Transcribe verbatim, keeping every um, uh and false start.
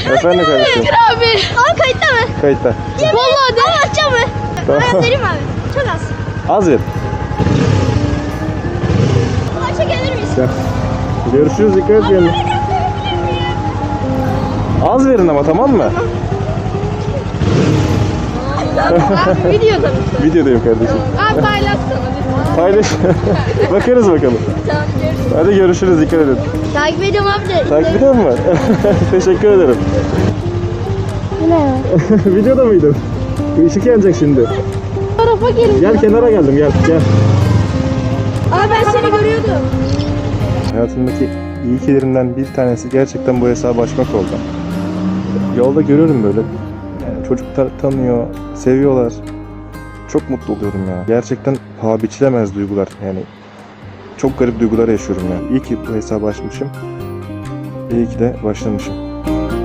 Efendim kardeşim. abi. Aa kayıtta mı? Kayıtta. Vallahi de. Ama atacağım mı? Tamam. Ben vereyim abi. Çok az. Az ver. Başa gelir miyiz? Gel. Görüşürüz, dikkat et kendine. Az verin ama, tamam mı? Abi videoda mısın? Videodayım kardeşim. Abi paylaşsana. Paylaş. Bakarız bakalım. Tamam görüşürüz. Hadi görüşürüz, dikkat edin. Takip ediyorum abi de. Takip ediyor musun? Teşekkür ederim. Bu ne ya? Videoda mıydın? Işık yanacak şimdi. Tarafa gelin. Gel, kenara geldim, gel gel. Abi ben seni görüyordum. Hayatımdaki iyi kilerimden bir tanesi gerçekten bu hesabı açmak oldu. Yolda görüyorum böyle. Yani çocuklar tanıyor, seviyorlar. Çok mutlu oluyorum ya. Gerçekten paha biçilemez duygular. Yani çok garip duygular yaşıyorum ya. İyi ki bu hesabı açmışım. İyi ki de başlamışım.